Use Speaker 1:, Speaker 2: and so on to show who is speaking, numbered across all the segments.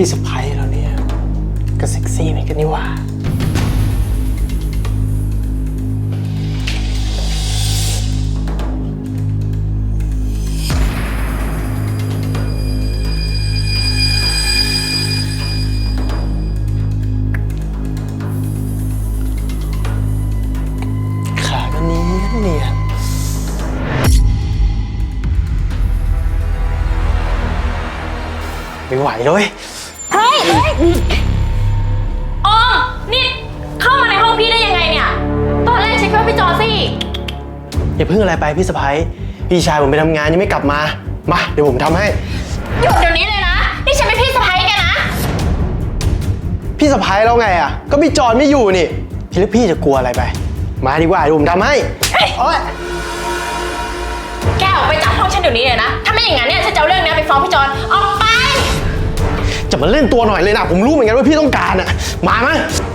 Speaker 1: พี่สะพ้ายเราเนี่ยก็เซ็กซี่เหมือนกันนี่หว่าขาก็เนียนไม่ไหวเลย
Speaker 2: เฮ้ยอ๋อนี่เข้ามาในห้องพี่ได้ยังไงเนี่ยตอนแรกเช็คว่าพี่จอซี่
Speaker 1: อย่าเพิ่งอะไรไปพี่สะพ้ายพี่ชายผมไปทำงานยังไม่กลับมาเดี๋ยวผมทำให้
Speaker 2: หยุดเดี๋ยวนี้เลยนะนี่ฉันเป็นพี่สะใภ้แกนะ
Speaker 1: พี่สะพ้ายแล้วไงอ่ะก็พี่จอนไม่อยู่นี่พี่แล้วพี่จะกลัวอะไรไปมาดีกว่าเดี๋ยวผมทำให้โอ๊ย
Speaker 2: แกออกไปจากห้องฉันเดี๋ยวนี้เลยนะถ้าไม่อย่างนั้นเนี่ยฉันจะเอาเรื่องนี้ไปฟ้องพี่จอนออกไป
Speaker 1: จะมาเล่นตัวหน่อยเลยนะผมรู้เหมือนกันว่าพี่ต้องการอ่ะมาไหม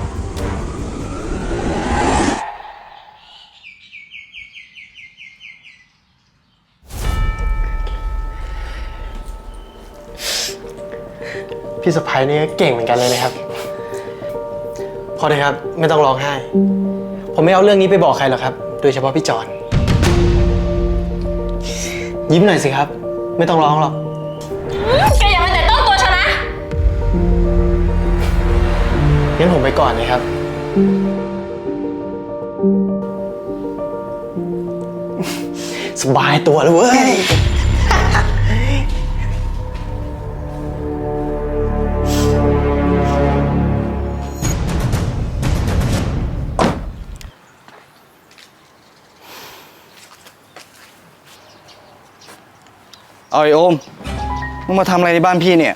Speaker 1: พี่สะพ้ายนี่เก่งเหมือนกันเลยนะครับพอเลยครับไม่ต้องร้องไห้ผมไม่เอาเรื่องนี้ไปบอกใครหรอกครับโดยเฉพาะพี่จอนยิ้มหน่อยสิครับไม่ต้องร้องหรอก
Speaker 2: แกอย่ามาแต่ต้องตัวฉันนะ
Speaker 1: งั้นผมไปก่อนเลยครับสบายตัวเลยเว้ย
Speaker 3: เอาไอ้โอมมึงมาทำอะไรในบ้านพี่เนี่ย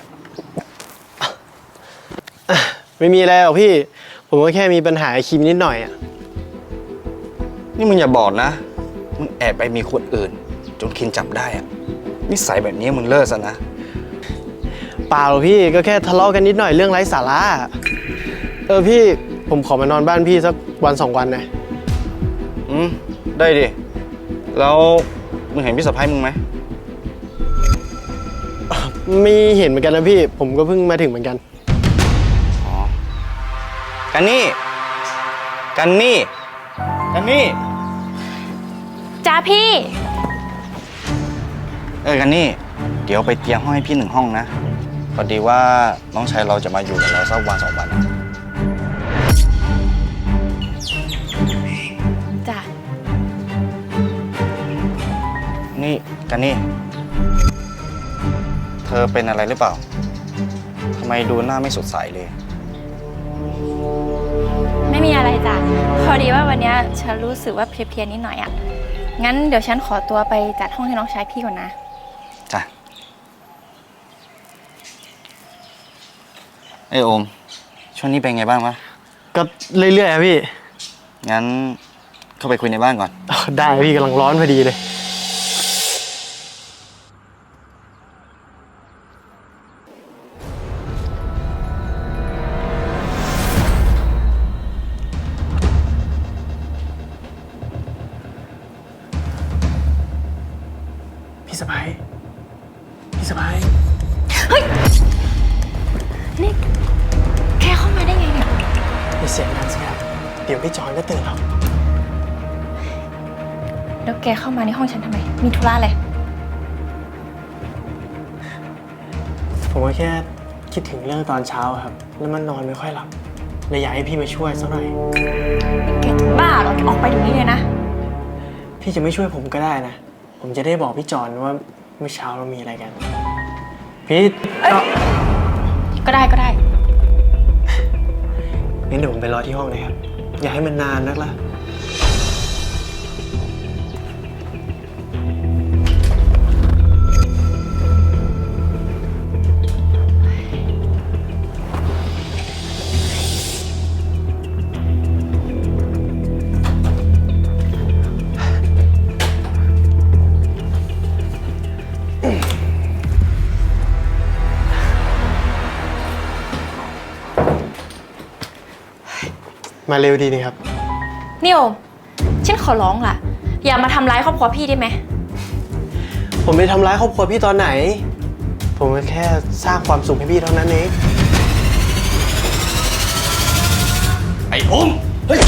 Speaker 1: ไม่มีอะไรหรอกพี่ผมก็แค่มีปัญหาคิมนิดหน่อยอ่ะ
Speaker 3: นี่มึงอย่าบอกนะมึงแอบไปมีคนอื่นจนคินจับได้อะนิสัยแบบนี้มึงเลิกซะนะ
Speaker 1: เปล่าหรอกพี่ก็แค่ทะเลาะกันนิดหน่อยเรื่องไร้สาระพี่ผมขอมานอนบ้านพี่สักวัน2 วันนะ
Speaker 3: ได้ดิแล้วมึงเห็นพี่สะใภ้มึงไหม
Speaker 1: ไม่เห็นเหมือนกันนะพี่ผมก็เพิ่งมาถึงเหมือนกัน
Speaker 3: อ๋อกันนี่
Speaker 2: จ้าพี่
Speaker 3: กันนี่เดี๋ยวไปเตรียมห้องให้พี่1 ห้องนะพอดีว่าน้องชายเราจะมาอยู่กับเราสักวัน2 วัน
Speaker 2: จ้า
Speaker 3: นี่กันนี่เธอเป็นอะไรหรือเปล่าทำไมดูหน้าไม่สดใสเลย
Speaker 2: ไม่มีอะไรจ้ะพอดีว่าวันนี้ฉันรู้สึกว่าเพลียๆนิดหน่อยอ่ะงั้นเดี๋ยวฉันขอตัวไปจัดห้องให้น้องชายพี่ก่อนนะ
Speaker 3: จ้ะไอโอมช่วงนี้เป็นไงบ้างวะ
Speaker 1: ก็เรื่อยๆครับพี่
Speaker 3: งั้นเข้าไปคุยในบ้านก่อน
Speaker 1: ได้พี่กำลังร้อนพอดีเลยพี่สะพ้าย
Speaker 2: เฮ้ยนี่แกเข้ามาได้ไงเนี่ย
Speaker 1: อย่าเสียงดังสิครับเดี๋ยวพี่จอนก็ตื่นหรอก
Speaker 2: แล้วแกเข้ามาในห้องฉันทำไมมีธุระอะไร
Speaker 1: ผมก็แค่คิดถึงเรื่องตอนเช้าครับแล้วมันนอนไม่ค่อยหลับเลยอยากให้พี่มาช่วยสักหน่อย
Speaker 2: แกจะบ้าเหรอแกออกไปเดี๋ยวนี้เลยนะ
Speaker 1: พี่จะไม่ช่วยผมก็ได้นะผมจะได้บอกพี่จอนว่าเมื่อเช้าเรามีอะไรกันพี่
Speaker 2: ก็ได้
Speaker 1: งั้นเดี๋ยวผมไปรอที่ห้องเลยครับอย่าให้มันนานนักล่ะ มาเร็วดีนี่ครับ
Speaker 2: นิวฉันขอร้องล่ะอย่ามาทำร้ายครอบครัวพี่ได้ไหม
Speaker 1: ผมไปทำร้ายครอบครัวพี่ตอนไหนผมแค่สร้างความสุขให้พี่เท่านั้นเอง
Speaker 3: โอมเฮ้ย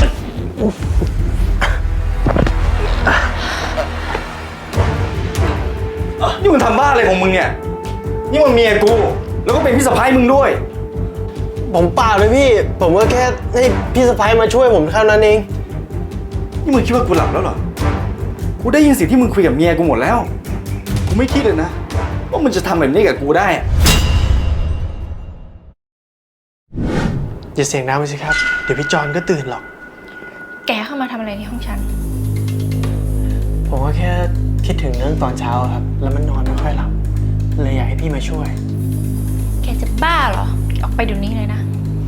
Speaker 3: นี่มึงทำบ้าอะไรของมึงเนี่ย นี่มันเมียกู แล้วก็เป็นพี่สะพ้ายมึงด้วย
Speaker 1: ผมเปล่าเลยพี่ ผมก็แค่ให้พี่สะพ้ายมาช่วยผมเท่านั้นเอง
Speaker 3: นี่มึงคิดว่ากูหลับแล้วเหรอ กูได้ยินเสิ่งที่มึงคุยกับเมียกูหมดแล้ว กูไม่คิดเลยนะว่ามึงจะทำแบบนี้กับกูได้อะ
Speaker 1: อย่าเสียงดังไปสิครับ เดี๋ยวพี่จอนก็ตื่นหรอก
Speaker 2: แกเข้ามาทำอะไรในห้องฉัน
Speaker 1: ผมก็แค่คิดถึงเรื่องตอนเช้าครับ แล้วมันนอนไม่ค่อยหลับ เลยอยากให้พี่มาช่วย
Speaker 2: แกจะบ้าเหรอ ออกไปเดี๋ยวนี้เลยนะ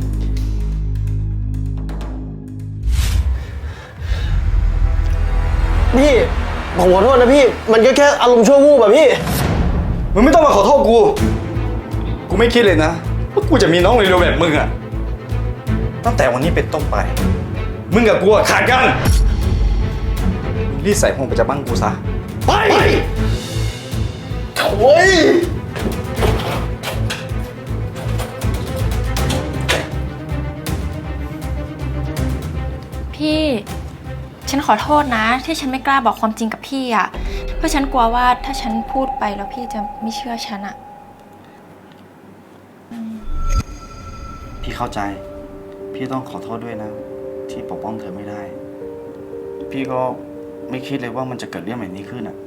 Speaker 1: พี่ ผมขอโทษนะพี่ มันก็แค่อารมณ์ชั่ววูบอะพี่
Speaker 3: มึงไม่ต้องมาขอโทษกู กูไม่คิดเลยนะว่ากูจะมีน้องเร็วๆแบบมึงอะตั้งแต่วันนี้เป็นต้นไป มึงกับกูอะขาดกันรีบใส่ห้องไปจากบ้านกูซะ ไปโถ่ย
Speaker 2: พี่ ฉันขอโทษนะ ที่ฉันไม่กล้าบอกความจริงกับพี่อ่ะ เพราะฉันกลัวว่าถ้าฉันพูดไปแล้วพี่จะไม่เชื่อฉันอ่ะ
Speaker 3: พี่เข้าใจ พี่ต้องขอโทษด้วยนะ ที่ปกป้องเธอไม่ได้ พี่ก็ไม่คิดเลยว่ามันจะเกิดเรื่องแบบนี้ขึ้นอะ